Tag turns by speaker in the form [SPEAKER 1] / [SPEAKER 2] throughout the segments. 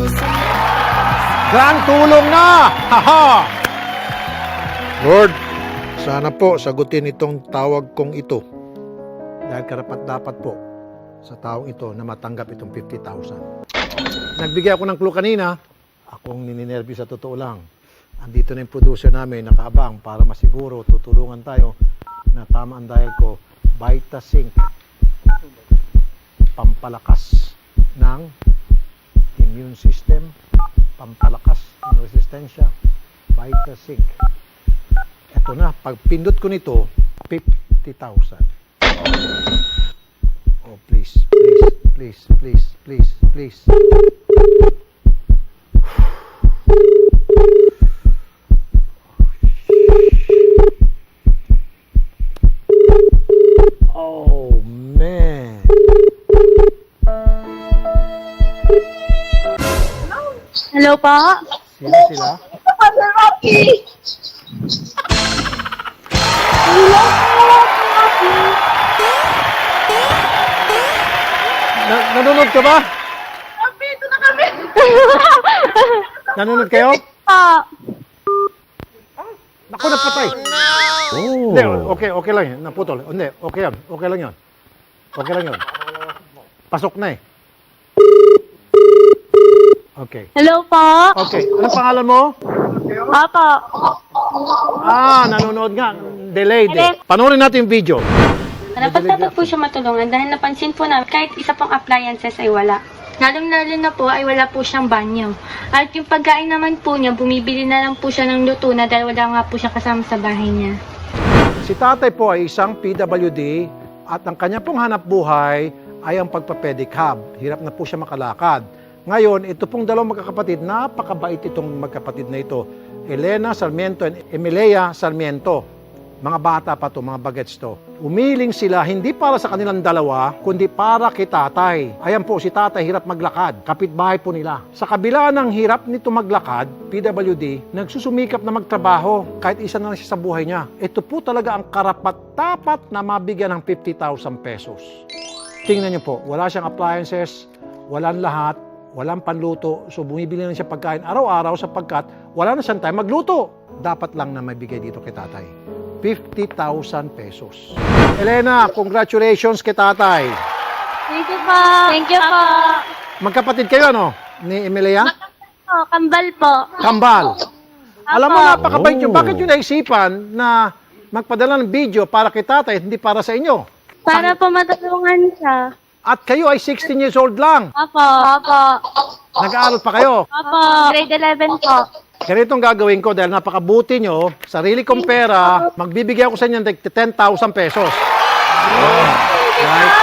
[SPEAKER 1] Grand tulong na! Haha! Lord, sana po sagutin itong tawag kong ito. Dahil karapat-dapat po sa taong ito na matanggap itong 50,000. Nagbigay ako ng clue kanina. Akong nininervyo sa totoo lang. Andito na yung producer namin, nakaabang para masiguro, tutulungan tayo na tama ang dial ko. Vitasync. Pampalakas ng immune system. Pampalakas ng resistensya. Vitasync. Ito na, pag pindot ko nito, 50,000. Oh, please, please, please, please, please, please. Oh, man.
[SPEAKER 2] Hello po?
[SPEAKER 1] Sino sila?
[SPEAKER 2] Sir Rocky! Hello po, Sir Rocky!
[SPEAKER 1] Nanonood ka ba?
[SPEAKER 2] Rocky, ito na kami!
[SPEAKER 1] Nanonood kayo? Naku, napatay.
[SPEAKER 3] Oh.
[SPEAKER 1] Hindi, okay lang yan. Naputol. Hindi, okay yan. Okay lang yan. Okay lang yan. Pasok na eh. Okay.
[SPEAKER 2] Hello po?
[SPEAKER 1] Okay. Anong pangalan mo?
[SPEAKER 2] Opo.
[SPEAKER 1] Nanonood nga. Delayed eh. Panoorin natin yung video.
[SPEAKER 4] Dapat po siya matulungan dahil napansin po namin kahit isa pang appliances ay wala. Lalong-lalo na po ay wala po siyang banyo. At yung pagkain naman po niya, bumibili na lang po siya ng luto na dahil wala nga po siya kasama sa bahay niya.
[SPEAKER 1] Si tatay po ay isang PWD at ang kanya pong hanap buhay ay ang pagpapedicab. Hirap na po siya makalakad. Ngayon, ito pong dalawang magkakapatid, napakabait itong magkapatid na ito. Elena Sarmiento and Emilia Sarmiento. Mga bata pa to, mga bagets to. Umiling sila hindi para sa kanilang dalawa, kundi para kay tatay. Ayan po, si tatay hirap maglakad. Kapitbahay po nila. Sa kabila ng hirap nito maglakad, PWD, nagsusumikap na magtrabaho kahit isa na lang siya sa buhay niya. Ito po talaga ang karapat-dapat na mabigyan ng 50,000 pesos. Tingnan niyo po, wala siyang appliances, walang lahat, walang panluto, so bumibili na siya pagkain araw-araw sapagkat wala na siyang time magluto. Dapat lang na maibigay dito kay tatay. 50,000 pesos. Elena, congratulations kay tatay.
[SPEAKER 2] Thank you po. Thank you po.
[SPEAKER 1] Magkapatid kayo, ano? Ni Emilia?
[SPEAKER 2] Kambal po.
[SPEAKER 1] Kambal. Alam mo, napakabait nyo.
[SPEAKER 3] Oh.
[SPEAKER 1] Bakit nyo naisipan na magpadala ng video para kay tatay, hindi para sa inyo?
[SPEAKER 2] Para po matulungan siya.
[SPEAKER 1] At kayo ay 16 years old lang.
[SPEAKER 2] Opo. Opo.
[SPEAKER 1] Nag-aaral pa kayo.
[SPEAKER 2] Opo. Grade 11 po.
[SPEAKER 1] Ganitong gagawin ko dahil napakabuti nyo, sarili kong pera, magbibigay ako sa inyo ng 10,000 pesos. Right?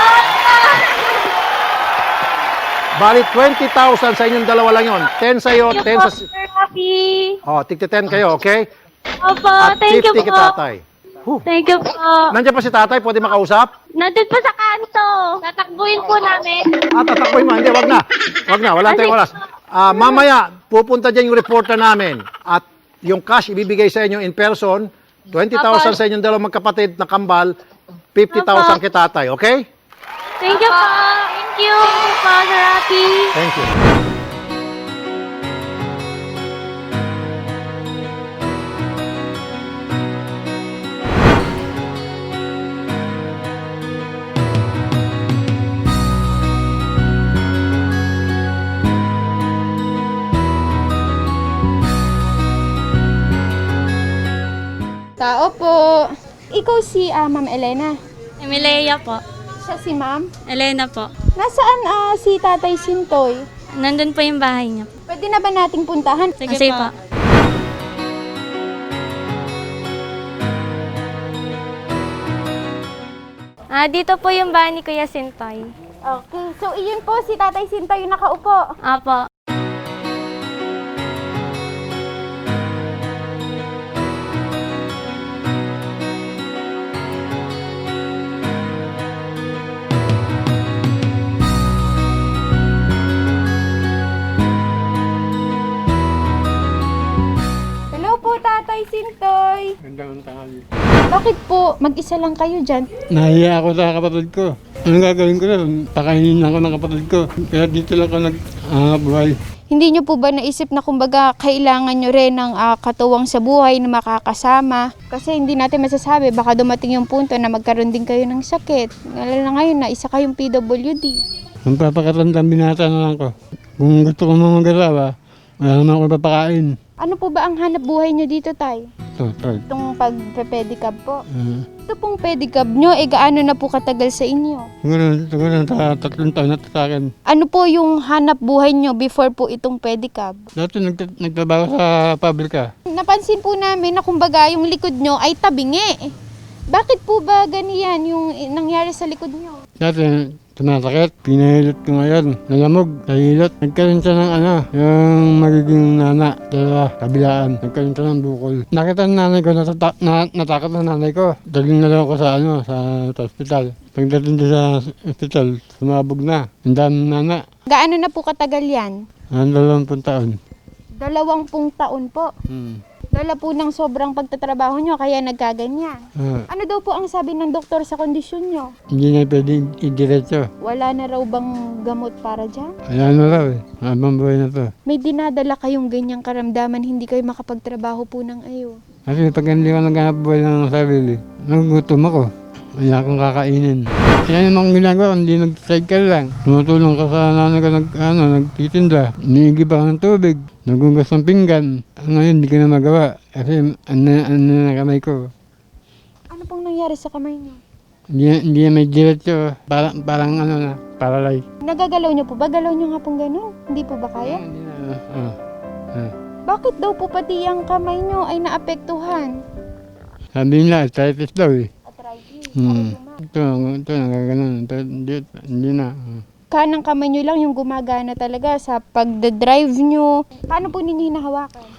[SPEAKER 1] Bali, 20,000 sa inyong dalawa lang yon. 10 sa iyo, 10 sa...
[SPEAKER 2] Sir Rocky.
[SPEAKER 1] Tigti 10 kayo, okay?
[SPEAKER 2] Opo.
[SPEAKER 1] At
[SPEAKER 2] Thank you
[SPEAKER 1] 50 kay
[SPEAKER 2] po.
[SPEAKER 1] tatay.
[SPEAKER 2] Thank you po.
[SPEAKER 1] Nandiyan pa si tatay, pwede makausap?
[SPEAKER 2] Nandun po sa kanto. Tatakbuhin po namin.
[SPEAKER 1] Tatakboy mo. Hindi, wag na. Wag na, wala tayong oras. Mamaya, pupunta dyan yung reporter namin. At yung cash ibibigay sa inyo in person, 20,000 sa inyong dalawang magkapatid na kambal, 50,000 kay tatay, okay?
[SPEAKER 2] Thank you po. Thank you po, Sir Rocky.
[SPEAKER 1] Thank you.
[SPEAKER 5] Tao po. Ikaw si Ma'am Elena.
[SPEAKER 4] Emilia po.
[SPEAKER 5] Siya si Ma'am.
[SPEAKER 4] Elena po.
[SPEAKER 5] Nasaan si Tatay Sintoy?
[SPEAKER 4] Nandun po yung bahay niya.
[SPEAKER 5] Pwede na ba nating puntahan?
[SPEAKER 4] Sige po. Dito po yung bahay ni Kuya Sintoy.
[SPEAKER 5] Okay. So, iyon po si Tatay Sintoy yung nakaupo.
[SPEAKER 4] Apo.
[SPEAKER 5] Tatay Sintoy.
[SPEAKER 3] Gandang tanghali.
[SPEAKER 5] Bakit po? Mag-isa lang kayo dyan?
[SPEAKER 3] Nahiya ako sa kapatid ko. Anong gagawin ko na? Pakainin ako ng kapatid ko. Kaya dito lang ako nag-buhay.
[SPEAKER 5] Hindi nyo po ba naisip na kumbaga kailangan nyo rin ng katuwang sa buhay na makakasama? Kasi hindi natin masasabi, baka dumating yung punto na magkaroon din kayo ng sakit. Lalo na ngayon na isa kayong PWD.
[SPEAKER 3] Kung papakatandang binata na lang ko. Kung gusto ko mga mag-asawa, wala naman ako papakain.
[SPEAKER 5] Ano po ba ang hanap buhay nyo dito, Tay?
[SPEAKER 3] Ito.
[SPEAKER 5] Itong pagpe-pedicab po. Ito pong pedicab nyo, gaano na po katagal sa inyo?
[SPEAKER 3] Siguro 3 taon na sa akin.
[SPEAKER 5] Ano po yung hanap buhay nyo before po itong pedicab?
[SPEAKER 3] Dati nagtrabaho sa pabrika.
[SPEAKER 5] Napansin po namin na kumbaga yung likod nyo ay tabingi. Bakit po ba ganiyan yung nangyari sa likod nyo?
[SPEAKER 3] Dati tumasakit, pinahilot ko ngayon. Nalamog, nahilot. Nagkaroon siya ng yung magiging nana, kabilaan. Nagkaroon siya ng bukol. Nakita ng nanay ko, natakot ng nanay ko. Daling na lang ako sa hospital. Pagdating doon sa hospital, sumabog na. Ang dami ng nana.
[SPEAKER 5] Gaano na po katagal yan?
[SPEAKER 3] 20 taon.
[SPEAKER 5] 20 taon po. Dala po ng sobrang pagtatrabaho nyo, kaya nagkaganyan. Ano daw po ang sabi ng doktor sa kondisyon nyo?
[SPEAKER 3] Hindi na pwedeng idiretso.
[SPEAKER 5] Wala na raw bang gamot para dyan?
[SPEAKER 3] Ayan na raw eh. Habang buhay na to.
[SPEAKER 5] May dinadala kayong ganyang karamdaman, hindi kayo makapagtrabaho po ng ayo.
[SPEAKER 3] Kasi pag hindi ko naghanap buhay ng sarili, nagugutom ako. Kaya akong kakainin. Yan yung mga ginagawa, hindi nag-cycle lang. Tumutulong ka sa nanay ko nagtitinda. Niigib ako ng tubig. Nagugas ng pinggan. Ngayon, hindi ko na magawa. Kasi ano na kamay ko.
[SPEAKER 5] Ano pong nangyari sa kamay niyo?
[SPEAKER 3] Hindi na may diretso. Parang paralay.
[SPEAKER 5] Nagagalaw niyo po ba? Galaw niyo nga pong gano'n? Hindi po ba kaya?
[SPEAKER 3] Hindi na.
[SPEAKER 5] Bakit daw po pati ang kamay niyo ay naapektuhan?
[SPEAKER 3] Sabi nila, arthritis daw eh.
[SPEAKER 5] Arthritis.
[SPEAKER 3] Ito, nagaganon. Hindi na.
[SPEAKER 5] Kanang kamay niyo lang yung gumagana talaga sa pagdadrive niyo. Paano po ninyo hinahawakan?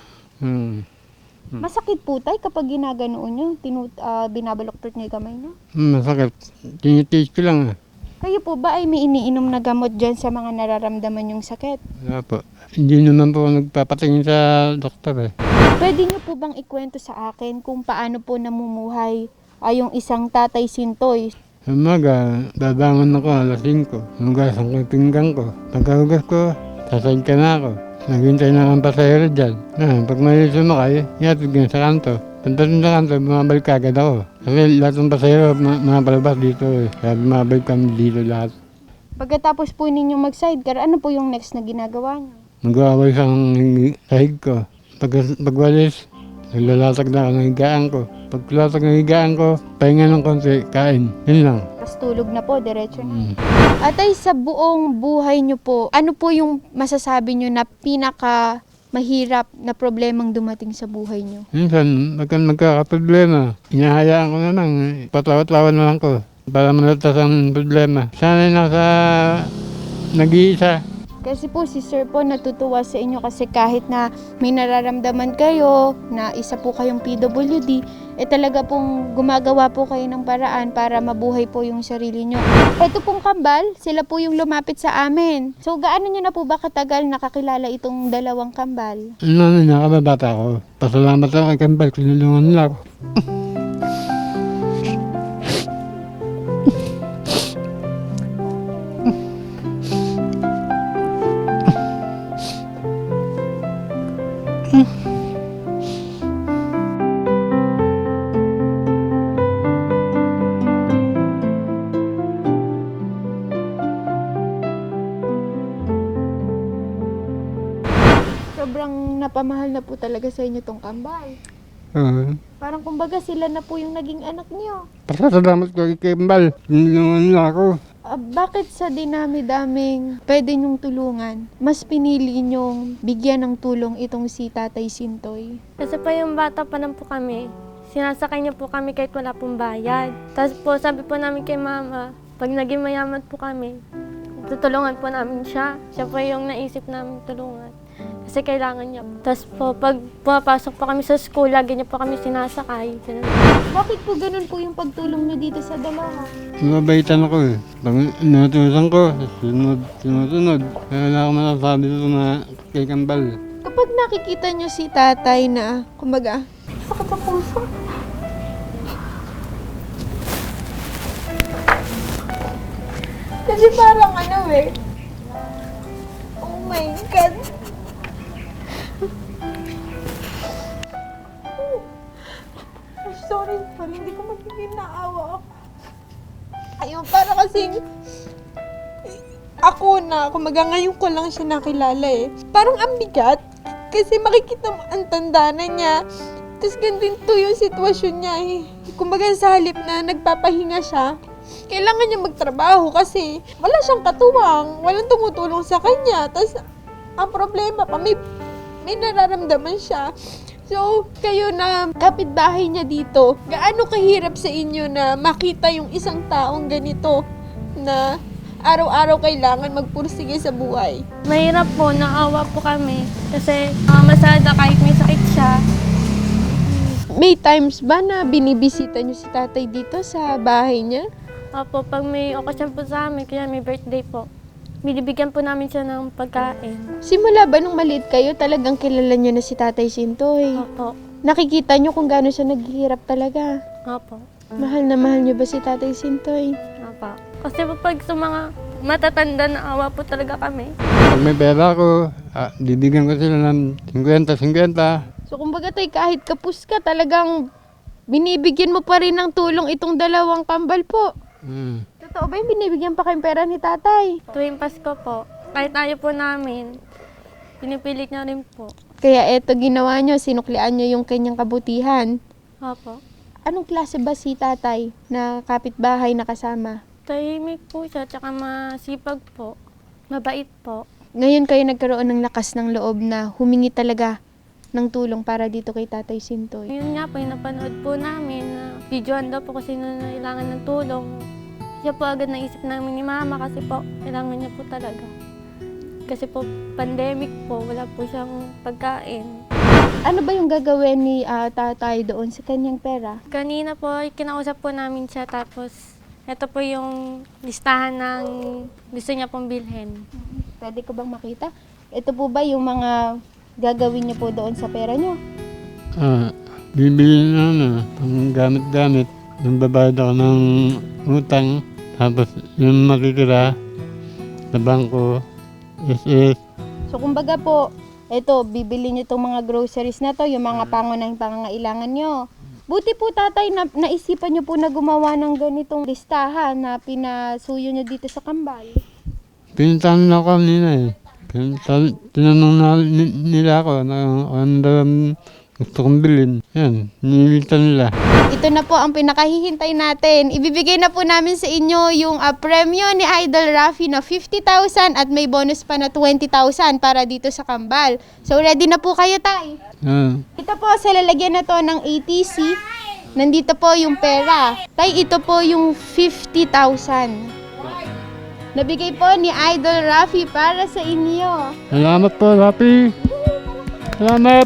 [SPEAKER 5] Masakit po tayo kapag ginaganoon niyo, binabaloktot niyo yung kamay niyo?
[SPEAKER 3] Masakit. Tinitiis ko lang.
[SPEAKER 5] Kayo po ba ay may iniinom na gamot dyan sa mga nararamdaman yung sakit?
[SPEAKER 3] Wala po. Hindi naman po nagpapatingin sa doktor eh.
[SPEAKER 5] Pwede niyo po bang ikwento sa akin kung paano po namumuhay yung isang Tatay Sintoy?
[SPEAKER 3] Umaga, babangon ako alas 5. Hugasan ko yung pinggan ko. Pagkahugas ko, sasayad ka na ako. Naghintay na ang pasahero dyan. Pag may sumakay, yatid ko sa kanto. Pagdating sa kanto, bumabalik agad ako. Kasi lahat ng pasahero, mga palabas dito eh. Kaya bumabalik kami dito lahat.
[SPEAKER 5] Pagkatapos po ninyo mag-sidecar, ano po yung next na ginagawa niyo?
[SPEAKER 3] Mag-aaway sa sahig ko. Pagwalis, naglalatag na ako ng higaan ko. Paglalatag ng higaan ko, pahinga ng konti, kain. Yun lang.
[SPEAKER 5] Tapos tulog na po, diretso na. Atay, sa buong buhay niyo po, ano po yung masasabi niyo na pinaka mahirap na problemang dumating sa buhay niyo?
[SPEAKER 3] Minsan, magkakaproblema. Inahayaan ko na lang. Patawat-tawan na lang ko. Para malatas ang problema. Sana nasa nag-iisa.
[SPEAKER 5] Kasi po si Sir po natutuwa sa inyo kasi kahit na may nararamdaman kayo na isa po kayong PWD, talaga pong gumagawa po kayo ng paraan para mabuhay po yung sarili nyo. Ito pong kambal, sila po yung lumapit sa amin. So gaano nyo na po ba katagal nakakilala itong dalawang kambal?
[SPEAKER 3] Nakababata ko. Pasalamat ako kay Kambal, tinulungan nila ako.
[SPEAKER 5] Sobrang napamahal na po talaga sa inyo tong kambal. Parang kumbaga sila na po yung naging anak niyo.
[SPEAKER 3] Pasalamat ko kay Kambal, tinulungan nila ako.
[SPEAKER 5] Bakit sa dinami-daming pwede nyong tulungan, mas pinili nyong bigyan ng tulong itong si Tatay Sintoy?
[SPEAKER 4] Kasi po yung bata pa lang po kami, sinasakay niya po kami kahit wala pong bayad. Tapos po sabi po namin kay mama, pag naging mayaman po kami, tutulungan po namin siya. Siya po yung naisip namin tulungan. Kasi kailangan niya. Tapos po, pag pumapasok po kami sa school, lagi niya po kami sinasakay. Ganun.
[SPEAKER 5] Bakit po ganun po yung pagtulong nyo dito sa dalawa?
[SPEAKER 3] Mabaitan ako eh. Pag inutusan ko, sinusunod. Kaya wala akong masasabi dito na kay Kambal.
[SPEAKER 5] Kapag nakikita nyo si tatay na, kumbaga, sakit sa puso. Kasi parang oh my God.
[SPEAKER 6] doon, hindi ko magiging naawa ako. Ayun, para kasing ako ngayon ko lang siya nakilala eh. Parang ang bigat. Kasi makikita mo ang tanda na niya. Tapos ganito yung sitwasyon niya eh. Kumbaga sa halip na nagpapahinga siya, kailangan niya magtrabaho kasi wala siyang katuwang, walang tumutulong sa kanya. Tapos ang problema pa, may nararamdaman siya. So, kayo na kapitbahay niya dito, gaano kahirap sa inyo na makita yung isang taong ganito na araw-araw kailangan magpursige sa buhay?
[SPEAKER 4] Mahirap po, naawa po kami. Kasi masada kahit may sakit siya.
[SPEAKER 6] May times ba na binibisita niyo si tatay dito sa bahay niya?
[SPEAKER 4] Opo, pag may okasyon po sa amin, kaya may birthday po, binibigyan po namin siya ng pagkain.
[SPEAKER 6] Simula ba nung maliit kayo, talagang kilala niyo na si Tatay Sintoy?
[SPEAKER 4] Opo.
[SPEAKER 6] Nakikita niyo kung gaano siya naghihirap talaga.
[SPEAKER 4] Opo.
[SPEAKER 6] Mahal na mahal niyo ba si Tatay Sintoy?
[SPEAKER 4] Opo. Kasi po pag sa mga matatanda na awa po talaga kami.
[SPEAKER 3] Pag may pera ko, bibigyan ko sila ng 50-50.
[SPEAKER 6] So kumbaga tay, kahit kapus ka, talagang binibigyan mo pa rin ng tulong itong dalawang kambal po. Totoo ba yung binibigyan pa kayong pera ni tatay?
[SPEAKER 4] Tuwing Pasko po, kahit ayaw po namin, pinipilit niya rin po.
[SPEAKER 6] Kaya eto ginawa niyo, sinuklian niyo yung kanyang kabutihan.
[SPEAKER 4] Opo.
[SPEAKER 6] Anong klase ba si tatay na kapitbahay na kasama?
[SPEAKER 4] Tahimik po siya, tsaka masipag po. Mabait po.
[SPEAKER 6] Ngayon kayo nagkaroon ng lakas ng loob na humingi talaga ng tulong para dito kay Tatay Sintoy.
[SPEAKER 4] Yun nga po, yung napanood po namin na videoan daw po kasi na kailangan ng tulong. Siya po agad naisip namin ni Mama kasi po, kailangan niya po talaga. Kasi po, pandemic po, wala po siyang pagkain.
[SPEAKER 6] Ano ba yung gagawin ni tatay doon sa kanyang pera?
[SPEAKER 4] Kanina po, kinausap po namin siya tapos ito po yung listahan ng gusto niya pong bilhin.
[SPEAKER 6] Pwede ko bang makita? Ito po ba yung mga gagawin niyo po doon sa pera niyo?
[SPEAKER 3] Bibili na pang gamit-gamit. Yung babayad ako ng utang. Tapos yung makikira sa bangko, SS.
[SPEAKER 6] So kumbaga po, ito, bibili niyo itong mga groceries na to, yung mga pangunahing pangangailangan niyo. Buti po tatay, naisipan niyo po na gumawa ng ganitong listahan na pinasuyo niyo dito sa kambal.
[SPEAKER 3] Pinuntahan na ako kanina eh. Tinanong na nila ako na ano daw ang gusto kong bilhin. Yan, nililitan nila.
[SPEAKER 6] Ito na po ang pinakahihintay natin. Ibibigay na po namin sa inyo yung premyo ni Idol Rafi na 50,000 at may bonus pa na 20,000 para dito sa kambal. So ready na po kayo, tay? Ito po sa lalagyan na to ng ATC. Nandito po yung pera. Tay, ito po yung 50,000. Nabigay po ni Idol Rafi para sa inyo.
[SPEAKER 3] Salamat po, Rafi. Salamat.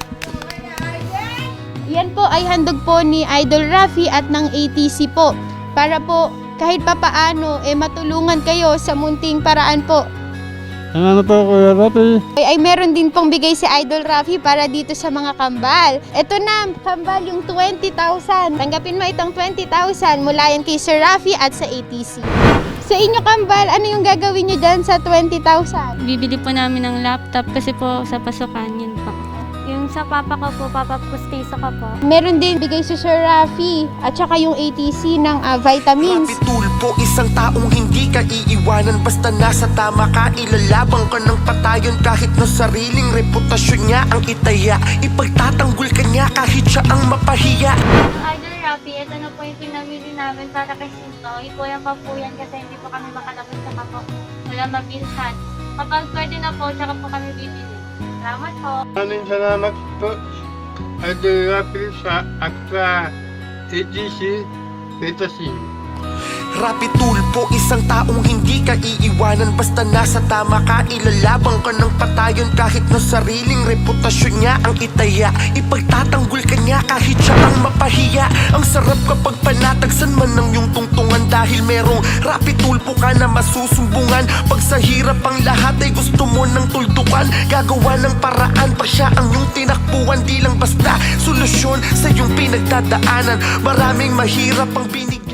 [SPEAKER 6] Yan po ay handog po ni Idol Rafi at ng ATC po. Para po kahit papaano matulungan kayo sa munting paraan po.
[SPEAKER 3] Salamat po, Kuya Rafi.
[SPEAKER 6] Ay meron din pong bigay si Idol Rafi para dito sa mga kambal. Ito na, kambal yung 20,000. Tanggapin mo itong 20,000 mula yan kay Sir Rafi at sa ATC. Sa inyo kambal, ano yung gagawin nyo dyan sa 20,000?
[SPEAKER 4] Bibili po namin ng laptop kasi po sa pasukan, yun po. Yung sa papa ko po, papa pustiso ko po.
[SPEAKER 6] Meron din bigay si Sir Rafi at saka yung ATC ng vitamins.
[SPEAKER 7] Rapi Tulpo, isang taong hindi ka iiwanan. Basta nasa tama ka, ilalabang ka ng patayon. Kahit na sariling reputasyon niya ang itaya, ipagtatanggol ka niya kahit siya ang mapahiya.
[SPEAKER 2] Idol Rafi, ito na po yung pinamili namin para kay Sinto. Ipuyan pa po yan kasi hindi po kami makalabas sa kapo. Wala mabilhan. Kapag pwede na po, tsaka po kami bibili. Salamat po.
[SPEAKER 3] Maraming salamat po, Idol Rafi at sa ATC Petasin.
[SPEAKER 7] Rapi Tulpo, isang taong hindi ka iiwanan. Basta nasa tama ka, ilalabang ka ng patayon. Kahit na sariling reputasyon niya ang itaya, ipagtatanggol ka niya kahit siya ang mapahiya. Ang sarap kapag panatagsan man ng iyong tungtungan, dahil merong Rapi Tulpo ka na masusumbungan. Pag sa hirap ang lahat ay gusto mo ng tuldukan, gagawa ng paraan pa siya ang iyong tinakbuhan. Di lang basta solusyon sa iyong pinagdadaanan. Maraming mahirap ang binigyan.